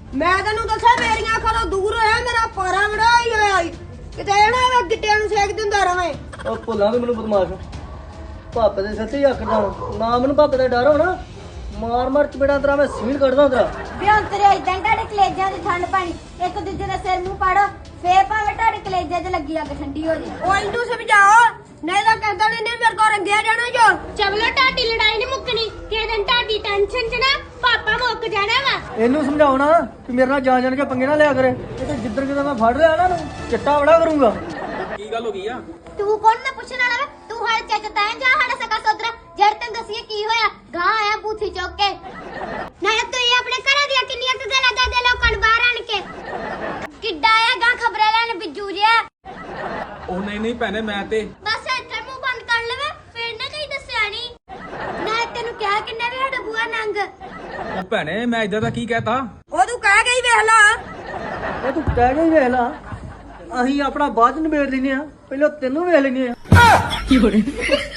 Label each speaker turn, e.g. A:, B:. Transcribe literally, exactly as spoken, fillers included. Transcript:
A: ਮੈਂ ਤੈਨੂੰ ਦੱਸਿਆ ਮੇਰੀਆਂ ਅੱਖਾਂ ਤੋਂ ਦੂਰ ਹੋਇਆ ਮੇਰਾ ਪਾਰਾ ਬੜਾ ਹੀ ਹੋਇਆ ਈ। ਕਿਤੇ ਨਾ ਮੈਂ ਗਿੱਟਿਆਂ ਨੂੰ ਸੇਕ ਦਿੰਦਾ ਰਵੇਂ।
B: ਉਹ ਭੁੱਲਾਂ ਵੀ ਮੈਨੂੰ ਬਦਮਾਸ਼ ਪਾਪੇ ਦੇ ਸੱਚੇ ਆਖਦਾ ਨਾ ਮੈਨੂੰ ਪਾਪੇ ਦਾ ਡਰ ਹੋਣਾ ਮਾਰ ਮਾਰ ਚਪੇੜਾ ਤੇਰਾ ਮੈਂ ਸੀਲ ਕੱਢਦਾ ਤੇਰਾ
C: ਬਿਆੰਤਰੇ ਇਦਾਂ ਹੀ ਤੁਹਾਡੇ ਕਲੇਜਾਂ ਦੀ ਠੰਡ ਪਾਣੀ ਇੱਕ ਦੂਜੇ ਦਾ ਸਿਰ ਮੂੰਹ ਪਾੜੋ ਫੇਰ ਭਾਵੇਂ ਤੁਹਾਡੇ ਕਲੇਜਾਂ 'ਚ ਲੱਗੀ ਅੱਗ ਠੰਡੀ ਹੋ ਜੇ।
A: ਉਹ ਇਹਨੂੰ ਸਮਝਾਓ ਨਹੀਂ ਤਾਂ ਕਹਿੰਦਾ ਨਹੀਂ ਮੇਰੇ ਕੋਲ ਰੰਗਿਆ ਜਾਣਾ ਜੋ।
D: ਚਵਲੋ ਤੁਹਾਡੀ ਲੜਾਈ ਨਹੀਂ ਮੁੱਕਣੀ ਕਿ ਦਿਨ ਤੁਹਾਡੀ ਟੈਨਸ਼ਨ 'ਚ ਨਾ ਪਾਪਾ ਮੁੱਕ ਜਾਣਾ ਵਾ।
B: ਇਹਨੂੰ ਸਮਝਾਉਣਾ ਕਿ ਮੇਰੇ ਨਾਲ ਜਾਣ ਜਾਣ ਕੇ ਪੰਗੇ ਨਾ ਲਿਆ ਕਰੇ ਇਹ ਤੇ ਜਿੱਧਰ ਕਿਤੇ ਮੈਂ ਫੜ ਲਿਆ ਨਾ ਨੂੰ ਚਿੱਟਾ ਬੜਾ ਕਰੂੰਗਾ।
E: ਕੀ ਗੱਲ ਹੋ ਗਈ ਆ?
C: ਤੂੰ ਕੌਣ ਨਾ ਪੁੱਛਣ ਵਾਲਾ ਵਾ ਤੂੰ ਹਰ ਚੱਜ ਤਾਂ ਜਾ ਸਾਡਾ ਸਕਾ ਸੋਦਰਾ ਜੜ ਤੈਨੂੰ ਦੱਸੀਏ ਕੀ ਹੋਇਆ ਗਾਂ ਆਇਆ ਬੂਥੀ ਚੁੱਕ ਕੇ
D: ਨਾਲੇ ਤੂੰ ਇਹ ਆਪਣੇ ਘਰਾਂ ਦੀਆਂ ਕਿੰਨੀਆਂ ਕੁ ਗੱਲਾਂ ਦੱਸਦੇ ਲੋਕਾਂ ਨੂੰ ਬਾਹਰ ਆਣ ਕੇ।
C: ਕਿੱਡਾ ਆਇਆ ਗਾਂ ਖਬਰਾਂ ਲੈਣ ਬਿੱਜੂ ਜਿਆ।
E: ਉਹ ਨਹੀਂ ਨਹੀਂ ਭੈਣੇ ਮੈਂ ਤੇ
C: ਬਸ ਇੱਥੇ ਮੂੰਹ ਬੰਦ ਕਰ ਲਵੇ ਫਿਰ ਨਾ ਕਹੀਂ ਦੱਸਿਆ ਨਹੀਂ ਨਾ ਤੈਨੂੰ ਕਿਹਾ ਕਿੰਨੇ ਵੀ ਸਾਡਾ ਬੂਆ ਨੰਗ।
E: ਉਹ ਭੈਣੇ ਮੈਂ ਇਦਾਂ ਦਾ ਕੀ ਕਹਿਤਾ?
A: ਉਹ ਤੂੰ ਕਹਿ ਗਈ ਵੇਖ ਲਾ।
B: ਇਹ ਤੂੰ ਕਹਿ ਕੇ ਹੀ ਵੇਖ ਲਾ ਅਸੀਂ ਆਪਣਾ ਬਾਅਦ ਚ ਨਿਬੇੜ ਲੈਨੇ ਆ ਪਹਿਲਾਂ ਤੈਨੂੰ ਵੇਖ ਲੈਨੇ ਆ।